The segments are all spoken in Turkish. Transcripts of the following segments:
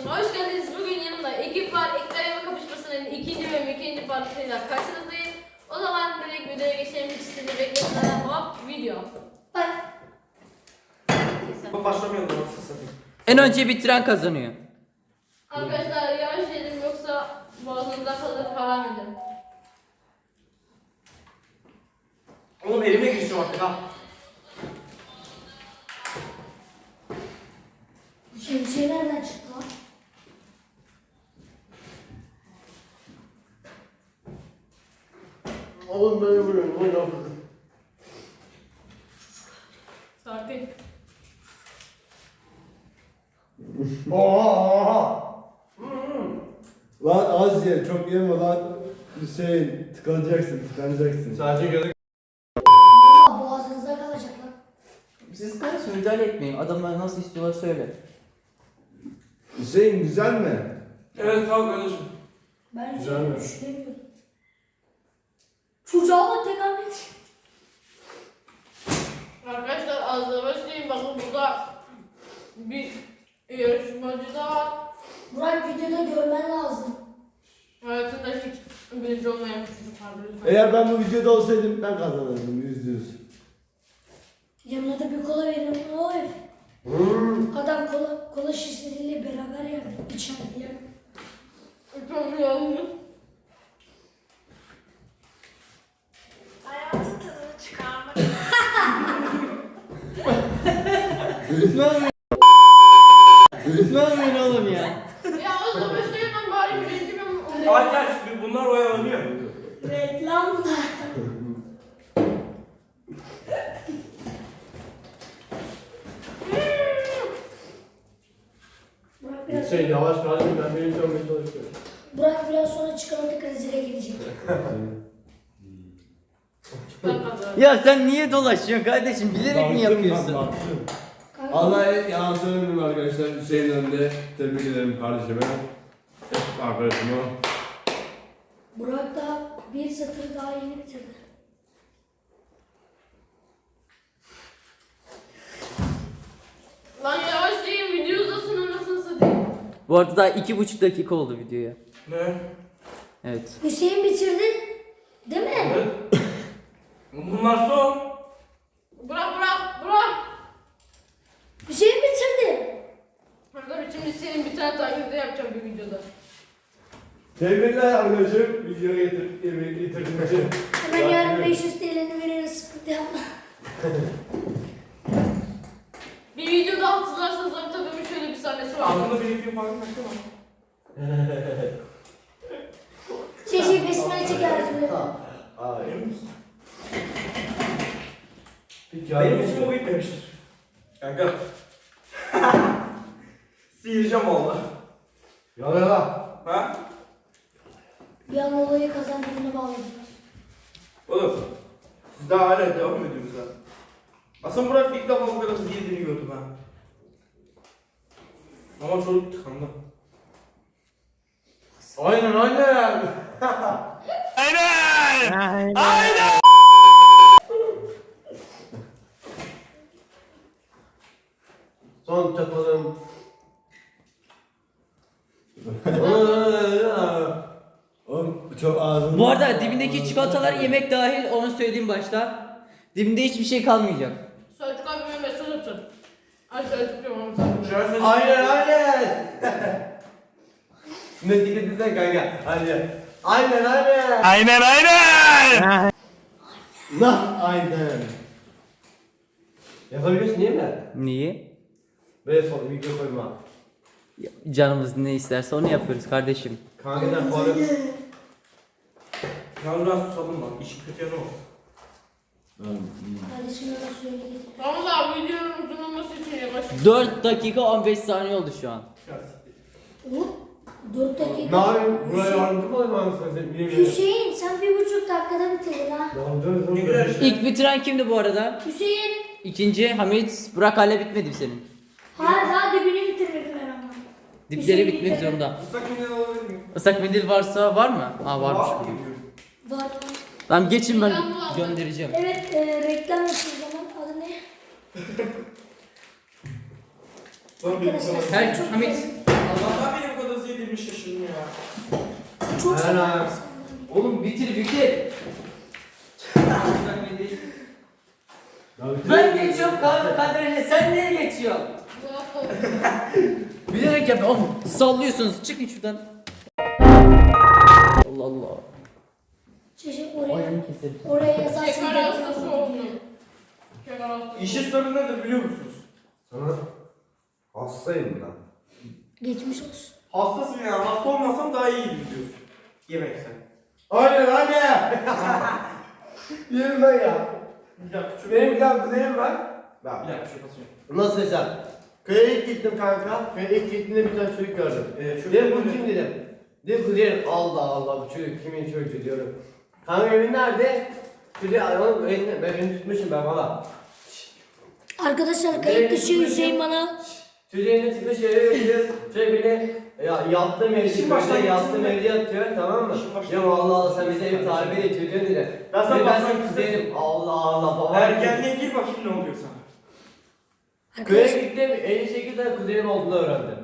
kanalıma hoş geldiniz. Bugün yanımda ekip var. Eklerime kapışmasının ikinci bölümü, ikinci partisiyle karşınızdayım. O zaman direkt videoya geçelim. Hiç sizi bekletmeden hop video. Bak. Başlamayalım da nasıl satayım. En önce bitiren kazanıyor. Arkadaşlar yavaş yedim yoksa boğazınızda kalır falan dedim. Oğlum elime girişim artık ha. Şemsiye nereden çıktı lan? Oğlum beni vuruyorum. Oğlum ne yapıyorsun? Sakin. Oha! Lan az ye, çok yeme lan. Hüseyin, tıkanacaksın. Sadece gözü. Valla boğazınızda kalacak lan. Siz kardeşim müdahale etmeyin. Adamlar nasıl istiyorlar söyle. Hüseyin güzel mi? Evet tamam kardeşim. Ben Güzel mi? düşünemiyorum. Çocuğa bak tek Ahmet. Arkadaşlar az da başlayayım. Bakın burada bir yarışmacı da var. Burak videoda görmen lazım. Hayatında hiç birinci olmayan bir çocuk vardı. lütfen. Eğer ben bu videoda olsaydım ben kazanırdım %100. Yanına da bir kola verin. Oy. Adam kola şişeleriyle beraber yerdi. İçeride yer. Çok yanlış. Hayatın tadını çıkarmak Ne yapıyorsun oğlum ya? Ya az da başlayayım ben bari birinci ben olayım. Hadi şimdi bunlar oyalanıyor. Reklam. Burak biraz, Hüseyin yavaş kardeşim ben birinci olmaya çalışıyorum. Burak biraz sonra çikolata krizine gelecek. Ben kazandım. Ya sen niye dolaşıyorsun kardeşim? Bilerek mi Baktım, yapıyorsun? baktım. Kanka, Allah'a yalan söylemiyorum arkadaşlar. Hüseyin önünde tebrik ederim kardeşime. Arkadaşıma. Burak da bir satır daha yeni bitirdi. Lan yavaşlayayım video uzasın anasını satayım. Bu arada daha 2,5 dakika oldu videoya. Ne? Evet. Hüseyin bitirdi. Değil mi? Evet. Bunlar son. Bırak. Hüseyin bitirdi. Arkadaşlar şimdi senin bir tane taklidi yapacağım bir videoda. Tebrikler arkadaşım. Videoya getirdiğin için. Hemen yarın 500 TL'ni veririz. Sıkıntı yapma. Bir videoda hatırlarsanız tabii şöyle bir sahnesi var. Altında bir iki falan kaçtı mı? Şey besmele çekeriz böyle. Emin misin? Peki Benim için o bitmemiştir. Kanka. Sıyıracağım valla. Yala. Ha? Bir an olayı kazandığını bağladılar. Oğlum. Siz daha hala devam ediyorsunuz ha. Aslında Burak ilk defa bu kadar hızlı yediğini gördüm ha. Ama çocuk tıkandı. Aynen. Son çatalım. Oğlum çok ağzım. Bu arada dibindeki çikolatalar yemek dahil onu söylediğim başta. Dibinde hiçbir şey kalmayacak. Selçuk abime mesaj atın. Ay Selçuk diyorum ama Selçuk. Şu an sen... Aynen. Ne dikkat edin kanka. Aynen. Aynen. Yapabiliyorsun değil mi? Niye? Böyle son video koyma. Canımız ne isterse onu yapıyoruz kardeşim. Kanka sen falan. Yalnız biraz susadım bak. İşin kötü yanı o. Kardeşim hemen suyunu getir. Tamam da videonun uzun olması için yavaş. 4 dakika 15 saniye oldu şu an. Ya siktir. Oğlum 4 Ne dakika. yapayım? Buraya yardımcı mı olayım anasını satayım? Bilmiyorum. Hüseyin sen 1,5 dakikada bitirdin ha. Ne güzel işte. İlk bitiren kimdi bu arada? Hüseyin. İkinci Hamit. Burak hala bitmedi mi senin? Hayır daha dibini bitirmedim ben ama. Dipleri Hüseyin bitmek bitirdi. zorunda. Islak mendil alabilir miyim? Islak mendil varsa var mı? Aa varmış Var bugün. mı? Var. Tamam geçin ben Reklam var. göndereceğim. Evet reklam yapıyoruz zaman. Adı ne? Bana bir Arkadaşlar sana. size Her çok Hamit güzel- Allah'tan beni bu kadar hızlı yedirmiş şaşırdım ya. Çok Helal. selam. Oğlum bitir. Ben geçiyorum kaderine, sen niye geçiyorsun? Bilerek yap. Oğlum sallıyorsunuz. Çıkın şuradan. Allah Allah. Çeşit Ayağını keserim. oraya yazarsın. Şeker hastası oldum. Şeker hastası. İşin sorunu nedir biliyor musunuz? Sana hastayım ben. Geçmiş olsun. Hastasın ya. Hasta olmasam daha iyiydi diyorsun. Yemeksen. Aynen. Yerim ben ya. Bir dakika şu Benim bir tane kuzenim var. Bir Bak. dakika şu basıyorum. Nasıl hesap? Köye ilk gittim kanka. Köye ilk gittiğimde bir tane çocuk gördüm. Çocuk Dedim bu mu? kim dedim. Dedim kuzenim Allah Allah bu çocuk kimin çocuğu diyorum. Kanka evin nerede? Çocuğu oğlum elini, ben elini tutmuşum ben valla. Arkadaşlar kayıt dışı Hüseyin bana Çocuğu elini tutmuş eve gidiyoruz. Çocuk beni yattığım evde, İşin baştan yattığım gitsin evde yatıyor tamam mı? İşin baştan Diyorum Allah Allah sen bize ev tarifi et çocuğun dedi. Ben sana Ben baştan senin kuzenim Allah Allah baba. Ergenliğe gir bakayım ne oluyor sana. Köye arkadaşlar gittim 58 tane kuzenim olduğunu öğrendim.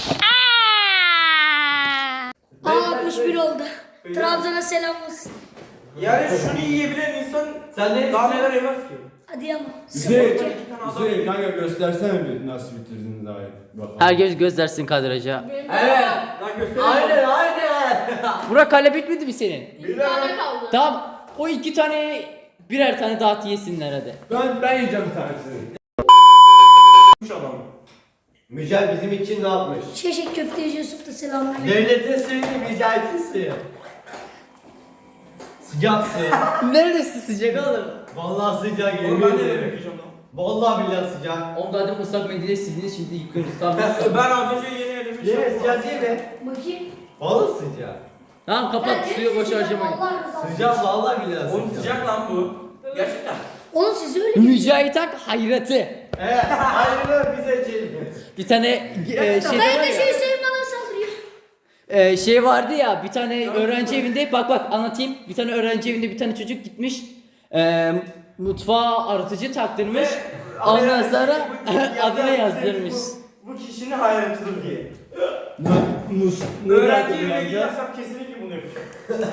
61 oldu. Trabzon'a selam olsun. Yani şunu yiyebilen insan Sen ne daha istiyorsun? neler yemez ki? Hadi ama. Hüseyin, Sıfır. Hüseyin kanka göstersene bir nasıl bitirdin daha iyi. Bakalım. Herkes göstersin kadraja. Benim Evet. Daha göstereyim. Aynen. Burak hala bitmedi mi senin? Bir tane kaldı. Tamam. O 2 tane birer tane dağıt yesinler hadi. Ben yiyeceğim bir tanesini. Adam. Mücahit bizim için ne yapmış? Çeşit köfteci Yusuf da selamünaleyküm. Devletin suyunu Mücahit'in suyu. Sıcak su. Neredesin sıcak oğlum? Vallahi sıcak Oğlum yemin ben de ederim. yiyeceğim lan. Vallahi billahi sıcak. Oğlum daha demin ıslak mendile sildiniz şimdi yıkıyoruz. Tamam. Ben az önce yeni elemiş. Yine sıcak değil mi? Bakayım. Vallahi sıcak. Tamam kapat suyu boş harcamayın. Allah razı olsun. Sıcak vallahi billahi sıcak. Oğlum sıcak lan bu. Gerçekten. Oğlum siz öyle Mücahit Ak hayratı. Evet. Hayır bize içelim. Bir tane şey Kayıt var dışı ya. Hüseyin bana saldırıyor. Şey vardı ya bir tane öğrenci evinde bak anlatayım. Bir tane öğrenci evinde bir tane çocuk gitmiş. Mutfağa arıtıcı taktırmış. Ondan sonra adını yazdırmış. Bu kişinin hayratıdır diye. Mus. Öğrenci evine gidersem kesinlikle bunu yapacağım.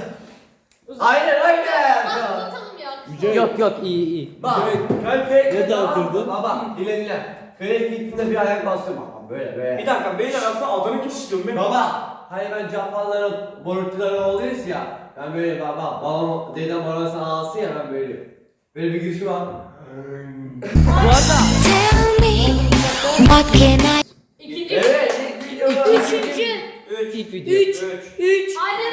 Aynen. Atlatalım ya. Yok iyi. Bak. Ne Ne dağıtırdın? Baba dinle. Köye gittiğinde bir ayak bastım. Baba böyle. Bir dakika beyler aslında adını kim istiyorum ben? Baba, hani ben Japonların borutları oluyoruz ya. Ben böyle babam, dedem orasını alsın ya ben böyle. Böyle bir girişim var. Bu arada Tell me, what can I? İkinci. Evet, ilk videoda. Üçüncü. ilk video. 3. Aynen.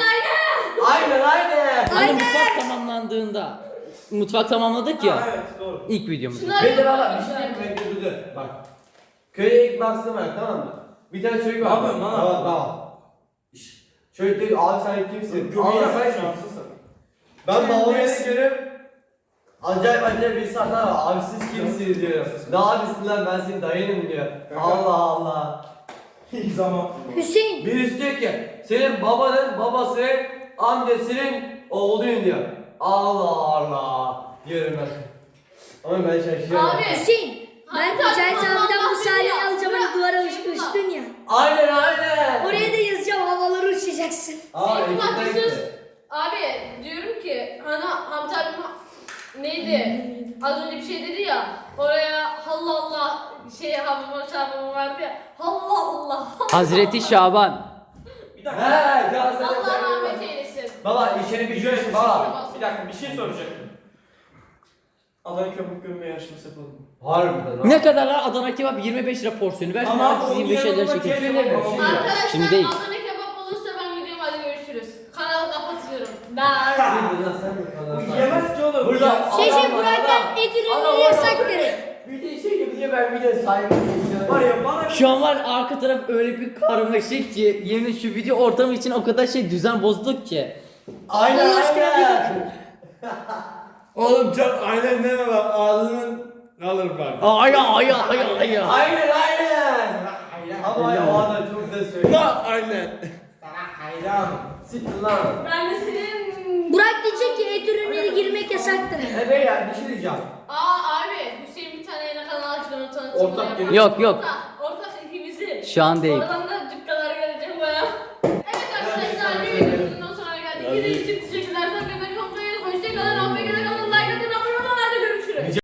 Aynen. Hani mutfak tamamlandığında mutfak tamamladık ya. Evet doğru. İlk videomuz. Şunlar Bir de baba yapalım. bir şey diyeyim mi? Dur. Bak. Köye ilk bastım ben tamam mı? Bir tane çocuk var. Ne yapıyorsun lan? Baba. Çocuk diyor abi sen kimsin? Göbeğine Abi bak sen kimsin? şanslısın. Ben babamı görüyorum. Acayip bir insanlar var. Abi siz kimsiniz diyor. Ne abisin lan ben senin dayınım diyor. Allah Allah. İlk zaman. Hüseyin. Birisi diyor ki senin babanın babasının amcasının oğluyum diyor. Allah Allah diyorum ben. Ama ben şaşırıyorum. Abi. Hüseyin. Ben Hadi, Mücahit hadi, abiden Allah bu sahneyi Allah. alacağım hani duvara uçmuştun ya. Aynen. Oraya da yazacağım havalara uçacaksın. Aa, Senin bak ekinden bir sus. gitti. Abi diyorum ki hani Hamdi abim neydi? Az önce bir şey dedi ya. Oraya Allah Allah şey Şaban'ın vardı ya. Allah Allah. Hazreti Şaban. Bir dakika. He, Galatasaray. Allah rahmet eylesin. Baba işini bir şöyle baba. Bir dakika bir şey soracaktım. Adana köpük gömme yarışması yapalım. Harbiden lan. Ne kadar lan Adana kebap 25 lira porsiyonu ver. Ama Herkes 25 lira çekin. Arkadaşlar Şimdi değil. Adana kebap olursa ben gidiyorum hadi görüşürüz. Kanalı kapatıyorum. Ben. Bu yemez ki oğlum. Burada Şey Burak'tan et ürünleri yasaktır. Bir de şey gibi niye ben bir de saygı Var ya bana Şu an var arka taraf öyle bir karmaşık ki yemin şu video ortamı için o kadar şey düzen bozduk ki. Aynen Allah aşkına bir aynen. Oğlum çok aynen deme bak ağzının alır bak. Ay. Aynen aynen. Ama ya o adam çok güzel söylüyor. Lan aynen. Hayran. Siktir lan. Ben de senin... Burak diyecek ki et ürünleri girmek yasaktır. He beyler bir şey diyeceğim. Abi Hüseyin bir tane yeni kanal açtı onu tanıtayım. Ortak Ortak. Yok. Ortak ikimizin. Şu an değil. Oradan